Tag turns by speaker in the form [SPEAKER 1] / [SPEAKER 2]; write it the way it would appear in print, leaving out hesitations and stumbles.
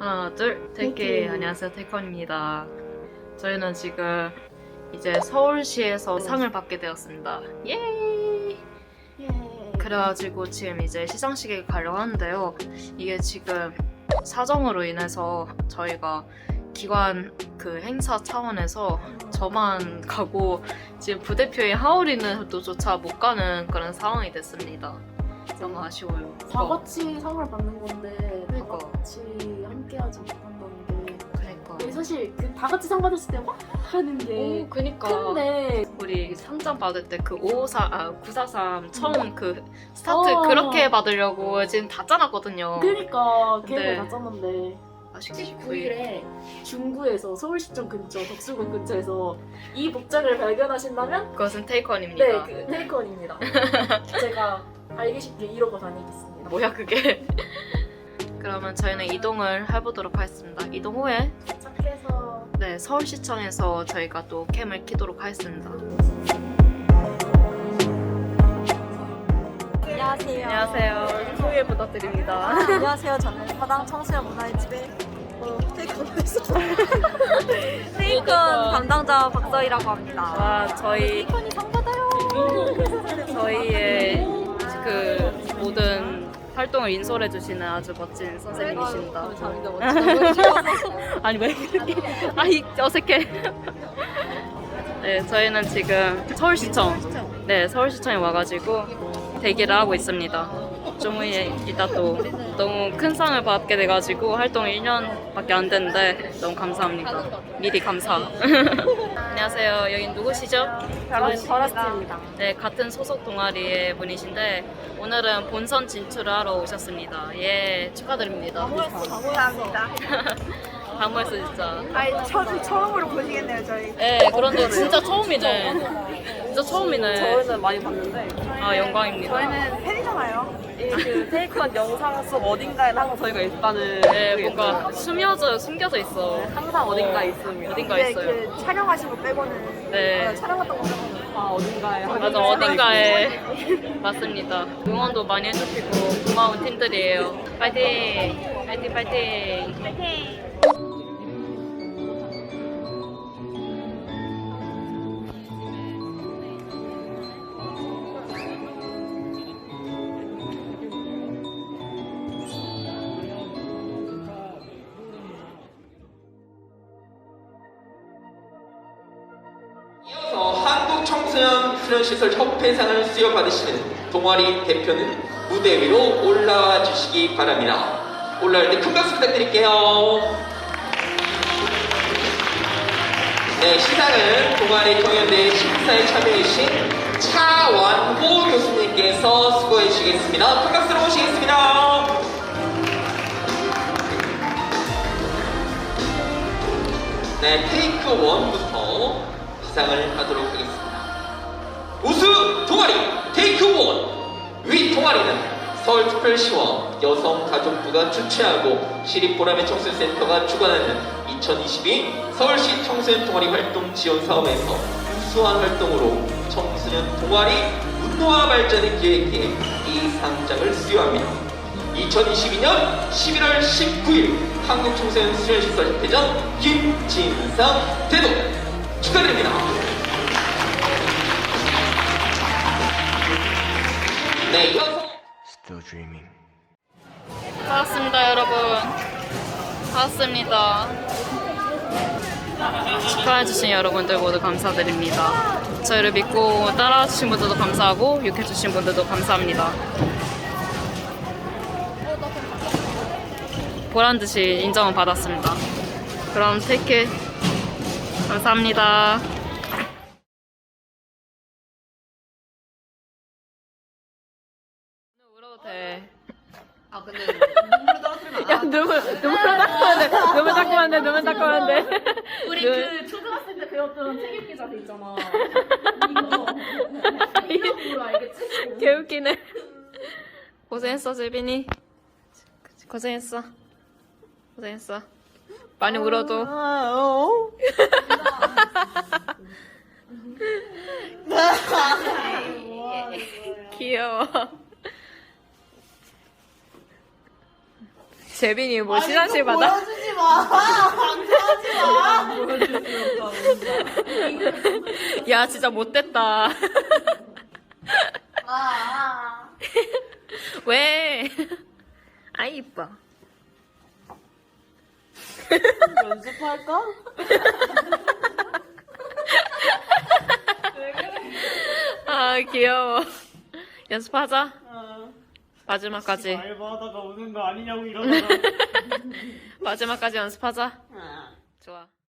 [SPEAKER 1] 하나, 둘, 테이크. 안녕하세요, 테이컨입니다. 저희는 지금 이제 서울시에서 상을 받게 되었습니다. 예! 그래가지고 지금 이제 시상식에 가려고 하는데요. 이게 지금 사정으로 인해서 저희가 기관 그 행사 차원에서 저만 가고 지금 부대표인 하울이는 조차 못 가는 그런 상황이 됐습니다. 너무 아쉬워요.
[SPEAKER 2] 다 같이 상을 받는 건데
[SPEAKER 1] 그러니까.
[SPEAKER 2] 다 같이 함께하지 못한다는 게
[SPEAKER 1] 그러니까.
[SPEAKER 2] 사실 그 다 같이 상 받았을 때 막 하는 게
[SPEAKER 1] 그니까.
[SPEAKER 2] 큰데
[SPEAKER 1] 우리 상장 받을 때 그 943 처음 그 스타트
[SPEAKER 2] 어.
[SPEAKER 1] 그렇게 받으려고 지금 다 짜놨거든요.
[SPEAKER 2] 그러니까
[SPEAKER 1] 네.
[SPEAKER 2] 계획을 다 짰는데
[SPEAKER 1] 아쉽게
[SPEAKER 2] 19일에 중구에서 서울시청 근처 덕수궁 근처에서 이 복장을 발견하신다면
[SPEAKER 1] 그것은 테이컨입니다.
[SPEAKER 2] 네, 그 테이크원입니다. 제가 알기 쉽게 이러고 다니겠습니다.
[SPEAKER 1] 뭐야 그게? 그러면 저희는 이동을 해보도록 하겠습니다. 이동 후에
[SPEAKER 2] 도착해서
[SPEAKER 1] 네 서울시청에서 저희가 또 캠을 키도록 하겠습니다.
[SPEAKER 3] 안녕하세요.
[SPEAKER 1] 안녕하세요. 소개 부탁드립니다.
[SPEAKER 3] 안녕하세요. 저는 화당 청소년 문화의 집의 테이큰 담당자 박서희라고 합니다.
[SPEAKER 1] 와 저희
[SPEAKER 3] 테이큰이 상 받아요.
[SPEAKER 1] 저희의 그 모든 활동을 인솔해 주시는 아주 멋진 선생님이십니다.
[SPEAKER 3] 감사합니다. 멋지다.
[SPEAKER 1] 아니 왜 이렇게 아이 어색해. 네 저희는 지금 서울시청 서울시청에 와가지고 대기를 하고 있습니다. 좀 후에 이따 또 너무 큰 상을 받게 돼가지고 활동이 1년밖에 안 됐는데 너무 감사합니다. 미리 감사. 안녕하세요. 여긴 누구시죠?
[SPEAKER 3] 저는 버라스트입니다.
[SPEAKER 1] 네, 같은 소속 동아리의 분이신데 오늘은 본선 진출을 하러 오셨습니다. 예, 축하드립니다.
[SPEAKER 3] 감사합니다.
[SPEAKER 1] 다무했어 진짜.
[SPEAKER 3] 아니, 처음으로 보시겠네요, 저희.
[SPEAKER 1] 네, 그런데 진짜 처음이네. 진짜 처음이네.
[SPEAKER 4] 저희는 많이 봤는데
[SPEAKER 1] 아, 영광입니다.
[SPEAKER 3] 저희는 팬이잖아요.
[SPEAKER 4] 그 테이크한 영상 속 어딘가에 항상 저희가 있다는
[SPEAKER 1] 네,
[SPEAKER 4] 그게
[SPEAKER 1] 뭔가
[SPEAKER 4] 있어요.
[SPEAKER 1] 숨겨져 있어.
[SPEAKER 4] 항상 어딘가에 있습니다.
[SPEAKER 1] 어딘가
[SPEAKER 3] 근데
[SPEAKER 1] 있어요.
[SPEAKER 3] 그 촬영하신 거 빼고는
[SPEAKER 1] 네.
[SPEAKER 3] 촬영했던 거 빼고는
[SPEAKER 4] 아, 어딘가에
[SPEAKER 1] 맞아, 어딘가에. 맞습니다. 응원도 많이 해주시고 고마운 팀들이에요. 파이팅! 파이팅, 파이팅!
[SPEAKER 5] 이어서 한국청소년수련시설협회상을 수여받으시는 동아리 대표는 무대 위로 올라와 주시기 바랍니다. 올라올 때 큰 박수 부탁드릴게요. 네, 시상은 동아리 경연대회 심사에 참여해주신 차완호 교수님께서 수고해 주시겠습니다. 큰 박수로 모시겠습니다. 네, 테이크 1부터 시상을 하도록 하겠습니다. 우수 동아리 테이크 1 위 동아리는 서울특별시와 여성가족부가 주최하고 시립보람의 청소년센터가 주관하는 2022 서울시 청소년 동아리 활동 지원 사업에서 우수한 활동으로 청소년 동아리 문화 발전을 기획해 이 상장을 수여합니다. 2022년 11월 19일 한국청소년 수련시설협회장 김진상 대도 축하드립니다. 네, 이어서
[SPEAKER 1] 반갑습니다, 여러분. 반갑습니다. 축하해주신 여러분들 모두 감사드립니다. 저희를 믿고 따라와주신 분들도 감사하고 욕해주신 분들도 감사합니다. 보란듯이 인정을 받았습니다. 그럼 테이크 감사합니다. 울어도 돼.
[SPEAKER 4] 아, 근데 눈물 떨어뜨리면
[SPEAKER 1] 야, 눈물 닦으면 돼. 눈물 닦으면 돼. 눈물 닦으면 돼.
[SPEAKER 2] 우리 그 초등학생 때 배웠던 책임 기자 돼 있잖아. 이거 알겠지?
[SPEAKER 1] 개웃기네. 고생했어, 재빈이. 고생했어. 고생했어. 많이 울어도. 귀여워. 재빈이 뭐 시상식 받아?
[SPEAKER 2] 보여주지 마. 방송하지 마.
[SPEAKER 1] 야 진짜 못됐다. 왜? 아이 이뻐.
[SPEAKER 2] 연습할까?
[SPEAKER 1] 아 귀여워. 연습하자. 마지막까지.
[SPEAKER 6] 알바하다가 오는 거 아니냐고 이러다가
[SPEAKER 1] 마지막까지 연습하자. 좋아.